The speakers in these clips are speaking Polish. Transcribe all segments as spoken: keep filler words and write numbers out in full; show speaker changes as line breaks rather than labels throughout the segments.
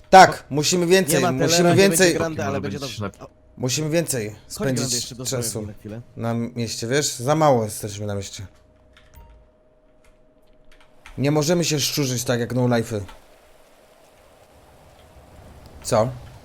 Tak, musimy więcej,
Nie ma
musimy
telera, nie
więcej,
będzie grande, ale będzie dobrze. O,
musimy więcej
chodź grande
spędzić
jeszcze do
czasu
swojego na chwilę.
na mieście, wiesz? Za mało jesteśmy na mieście. Nie możemy się szczurzyć tak jak no life'y. Co?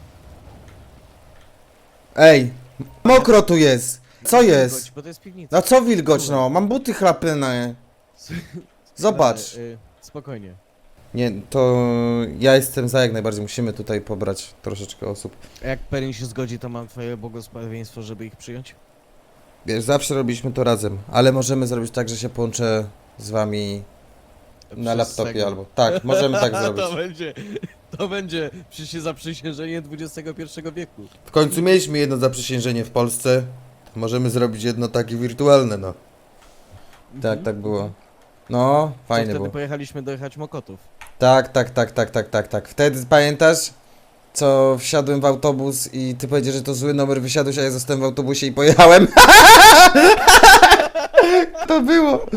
Ej, mokro tu jest. Co jest?
Wilgoć, bo to jest piwnica.
No co wilgoć, no? Mam buty chlapyne. Zobacz.
Grande, y, spokojnie.
Nie, to ja jestem za jak najbardziej. Musimy tutaj pobrać troszeczkę osób.
A jak Perin się zgodzi, to mam twoje błogosławieństwo, żeby ich przyjąć?
Wiesz, zawsze robiliśmy to razem, ale możemy zrobić tak, że się połączę z wami na
Przez
laptopie
tego.
albo... Tak, możemy tak zrobić.
To będzie, to będzie przecież zaprzysiężenie dwudziestego pierwszego wieku.
W końcu mieliśmy jedno zaprzysiężenie w Polsce. Możemy zrobić jedno takie wirtualne, no. Tak, tak było. No,
Co
fajne
wtedy
było.
pojechaliśmy dojechać Mokotów.
Tak, tak, tak, tak, tak, tak, tak. Wtedy pamiętasz, co wsiadłem w autobus i ty powiedziałeś, że to zły numer, wysiadłeś, a ja zostałem w autobusie i pojechałem. To było.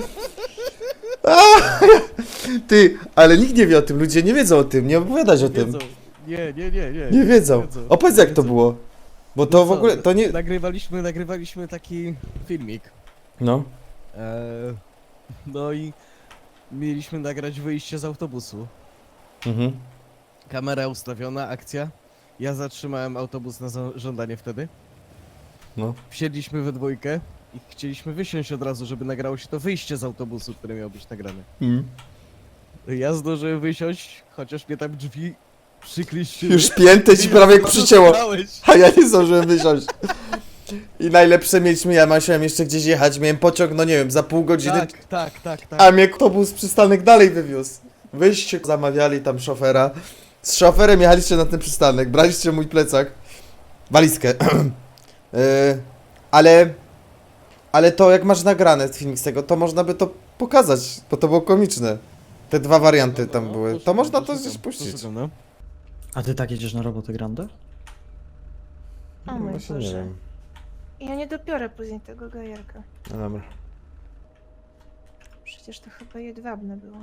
Ty, ale nikt nie wie o tym, ludzie nie wiedzą o tym, nie opowiadać o tym.
Wiedzą. Nie, nie, nie, nie.
Nie wiedzą. Opowiedz jak to
Wiedzą.
było. Bo to
No
w
co,
ogóle, to nie...
Nagrywaliśmy, nagrywaliśmy taki filmik.
No.
Eee, no i mieliśmy nagrać wyjście z autobusu.
Mhm.
Kamera ustawiona, akcja. Ja zatrzymałem autobus na za- żądanie wtedy.
No.
Wsiedliśmy we dwójkę i chcieliśmy wysiąść od razu, żeby nagrało się to wyjście z autobusu, które miało być nagrane.
Mm.
Ja zdążyłem wysiąść, chociaż mnie tam drzwi przykliściły.
Już piętę ci prawie przycięło. A ja nie zdążyłem wysiąść. I najlepsze mieliśmy, ja musiałem jeszcze gdzieś jechać, miałem pociąg, no nie wiem, za pół godziny,
Tak, tak, tak, tak.
a mnie autobus przystanek dalej wywiózł. Wyście zamawiali tam szofera. Z szoferem jechaliście na ten przystanek, braliście mój plecak, walizkę. yy, ale, ale to jak masz nagrane filmik z tego, to można by to pokazać, bo to było komiczne. Te dwa warianty
No,
tam
no,
były, to
poszukam,
można to
poszukam,
gdzieś puścić.
poszukam, no.
A ty tak jedziesz na robotę Grande?
O mój
Właśnie nie
Boże.
wiem.
Ja nie dopiorę później tego gajerka.
No dobra.
Przecież to chyba jedwabne było.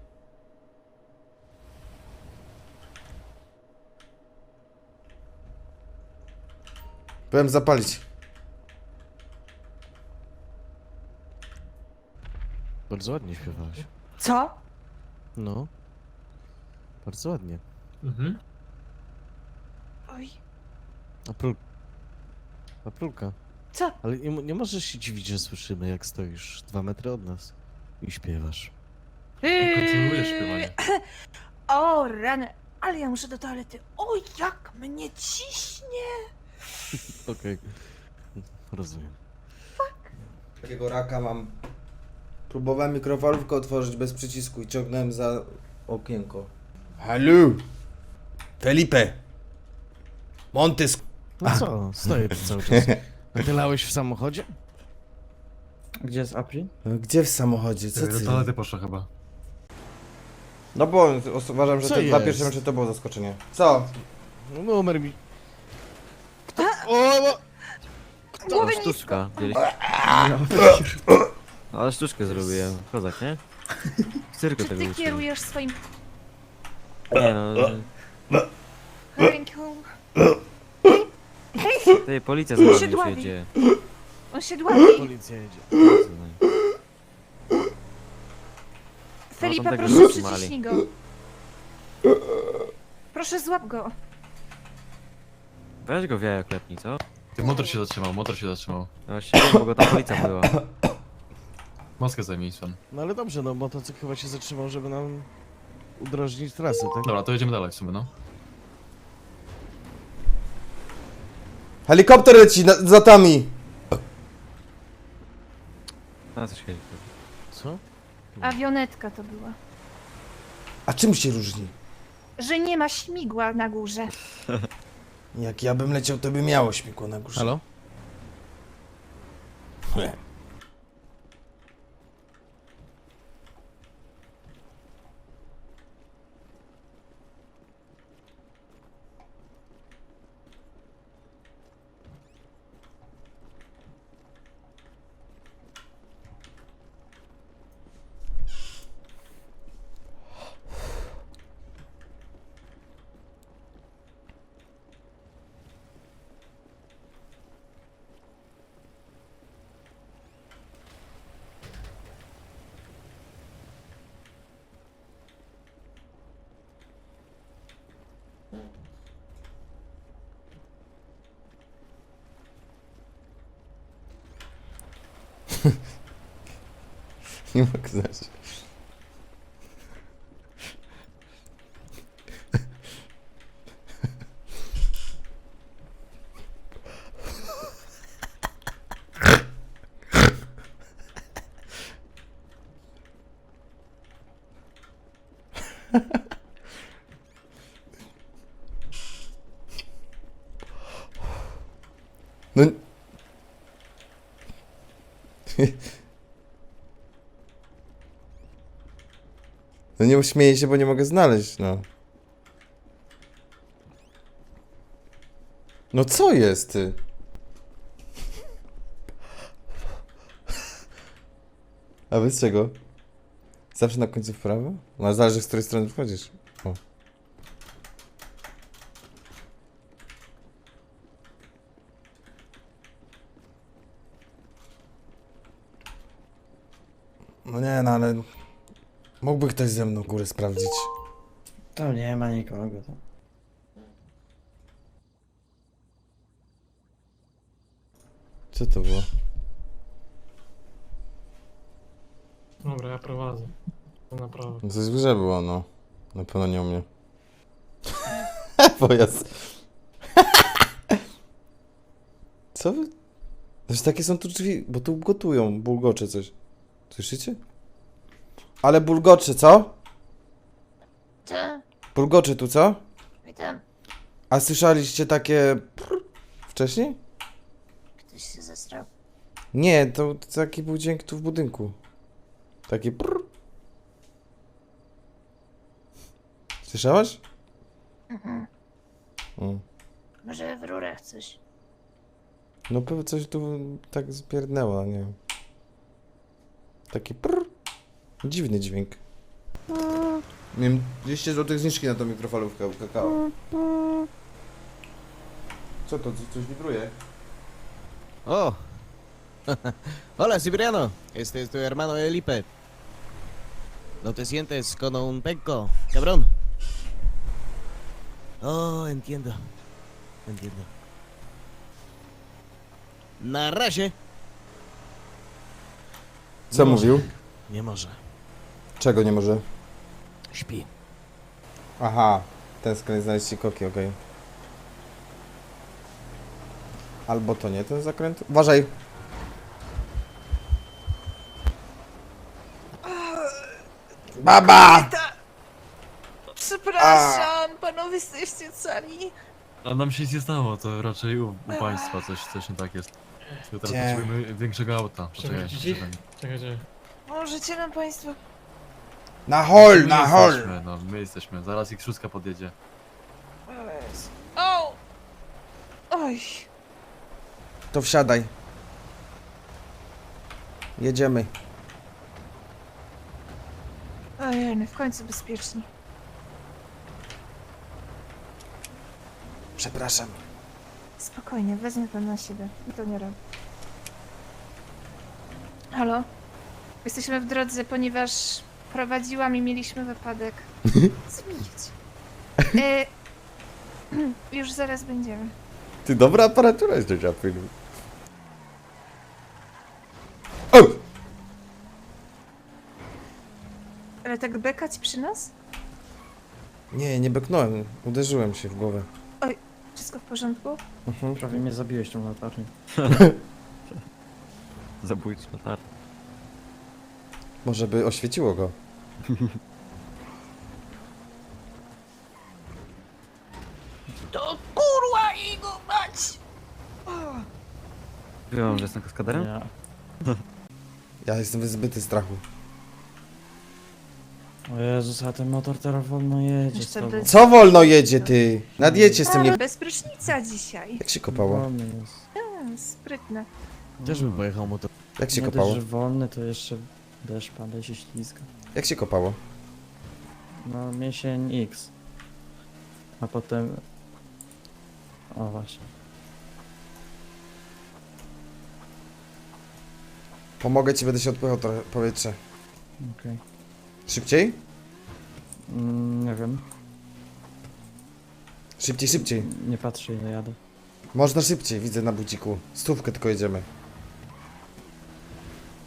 Byłem zapalić.
Bardzo ładnie śpiewałaś.
Co?
No. Bardzo ładnie.
Mhm.
Oj.
Aprul... Aprulka.
Co?
Ale nie, nie możesz się dziwić, że słyszymy, jak stoisz dwa metry od nas i śpiewasz.
Kontynuujesz śpiewanie.
O rany. Ale ja muszę do toalety. O, jak mnie ciśnie.
Okej. Rozumiem.
Takiego raka mam. Próbowałem mikrofalówkę otworzyć bez przycisku i ciągnąłem za okienko. Halo! Felipe! Montys!
No co, stoję tu cały czas. A ty lałeś w samochodzie?
Gdzie jest April?
Gdzie w samochodzie? Co
Do
ty?
toalety poszła chyba.
No bo uważam, że
Co
te dwa
jest?
pierwsze mecze to było zaskoczenie. Co?
No numer mi... Kto? O, o,
Głowy nisko.
Sztuczka. No, ale sztuczkę zrobiłem. Kozak, nie? W cyrku
Czy
tego
ty
uczyłem.
kierujesz swoim
Nie no,
ręką?
tej policja za nami
Siedławi.
już jedzie.
On się dławi.
policja jedzie.
Felipe,
tego
proszę
zatrzymali.
przyciśnij go. Proszę złap go.
Weź go w jaja klepnij, co?
Ty, motor się zatrzymał, motor się zatrzymał.
No właśnie, bo go ta policja była.
Moskę zajmij pan.
No ale dobrze, no motocykl chyba się zatrzymał, żeby nam udrożnić trasę, tak?
Dobra, to jedziemy dalej w sumie, no.
Helikopter leci na, za tami!
A coś chodzi.
Co?
Awionetka to była.
A czym się różni?
Że nie ma śmigła na górze.
Jak ja bym leciał, to by miało śmigło na górze.
Halo?
Nie. Nie mogę znać. No... No nie uśmieję się, bo nie mogę znaleźć, no. No co jest, ty? A wy z czego? Zawsze na końcu w prawo? No zależy, z której strony wchodzisz. O. No nie, no ale... Mógłby ktoś ze mną górę sprawdzić.
To nie ma nikogo tam.
Co to było?
Dobra, ja prowadzę. To naprawdę.
No coś w grze było, no. Na pewno nie u mnie. Pojazd. Co wy? Znaczy takie są tu drzwi, bo tu gotują, bulgocze coś. Słyszycie? Ale bulgocze, co?
Co?
Bulgocze tu, co?
Witam.
A słyszeliście takie... prr wcześniej?
Ktoś się zestrał.
Nie, to, to taki był dźwięk tu w budynku. Taki prr. Słyszałaś?
Mhm.
Mm.
Może w rurach coś.
No pewnie coś tu tak spierdnęło, nie wiem. Taki prr. Dziwny dźwięk. Miałem dwieście złotych zniżki na tą mikrofalówkę u kakao. Co to? Co- Coś wibruje?
O! Hola, Cipriano. Este es tu hermano Felipe. ¿No te sientes con un penco, cabrón? Oh, entiendo. Entiendo. Na razie.
Co
Nie
mówił?
może. Nie może.
Czego nie może?
Śpi.
Aha, ten skręt znaleźć ci koki, okej. Albo to nie ten zakręt? Uważaj! Baba!
Przepraszam, panowie jesteście cali.
A nam się nic nie stało, to raczej u, u państwa coś, coś nie tak jest. Tylko teraz
Gdzie?
potrzebujemy większego auta. Poczekaj,
Przewrócić ich?
poczekaj.
Czekajcie.
Możecie nam państwo...
Na hol,
My
na hol!
jesteśmy, no, my jesteśmy. Zaraz ich szóstka podjedzie.
O Jezu. O! Oj.
To wsiadaj. Jedziemy.
Ojej, w końcu bezpieczni.
Przepraszam.
Spokojnie, wezmę to na siebie. I to nie robię. Halo? Jesteśmy w drodze, ponieważ prowadziłam i mieliśmy wypadek. Zmienić. E, już zaraz będziemy.
Ty, dobra aparatura jest do dziapy. O!
Ale tak bekać przy nas?
Nie, nie beknąłem. Uderzyłem się w głowę.
Wszystko w porządku?
Mhm.
Prawie mnie zabiłeś tą latarnią.
Zabójczy latar.
Może by oświeciło go.
To kurwa i go mać!
Wiem, że jestem kaskaderem?
Ja.
Ja jestem wyzbyty strachu.
O Jezus, a ten motor teraz wolno jedzie z
Jeszcze
tobą.
bez-
Co wolno jedzie, ty? Nadjedźcie z tym nie...
Ale bez prysznica dzisiaj.
Jak się kopało?
Wolny jest.
A, sprytne.
Też bym pojechał motor.
Jak się
Nie dość,
kopało?
że wolny, to jeszcze deszcz pada i się ślizga.
Jak się kopało?
No, miesień X. A potem... O, właśnie.
Pomogę ci, będę się odpychał trochę powietrze.
Okej.
Szybciej?
Mm, nie wiem.
Szybciej, szybciej.
Nie patrzę ile jadę.
Można szybciej, widzę na buciku. Stówkę tylko jedziemy.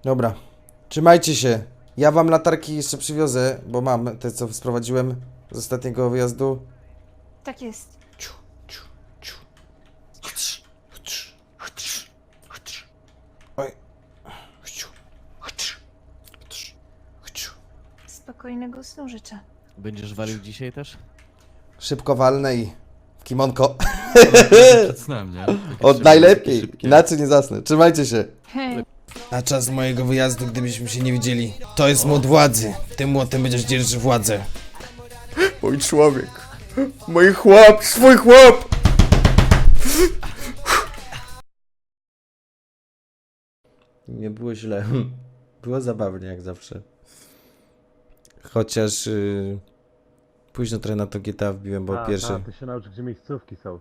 Dobra. Trzymajcie się. Ja wam latarki jeszcze przywiozę, bo mam te, co sprowadziłem z ostatniego wyjazdu.
Tak jest.
Ciu, ciu, ciu. Oj. Ciu. Ciu.
Spokojnego snu życzę.
Będziesz walił dzisiaj też?
Szybko walnę i w kimonko.
Przed snem, nie?
Od najlepiej. Inaczej nie zasnę. Trzymajcie się.
Hej.
Na czas mojego wyjazdu, gdybyśmy się nie widzieli. To jest młot władzy. Tym młotem będziesz dzierżył władzę. Mój człowiek. Mój chłop. Swój chłop. Nie było źle. Było zabawnie jak zawsze. Chociaż yy, późno trochę na to G T A wbiłem, bo pierwszy...
ty się naucz, gdzie miejscówki są.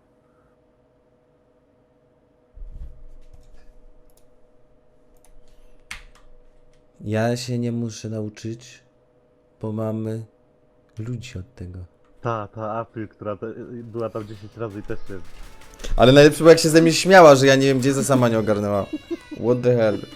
Ja się nie muszę nauczyć, bo mamy ludzi od tego.
Ta, ta April, która te, była tam dziesięć razy i też się...
Ale najlepsze było jak się ze mnie śmiała, że ja nie wiem gdzie, za sama nie ogarnęła. What the hell.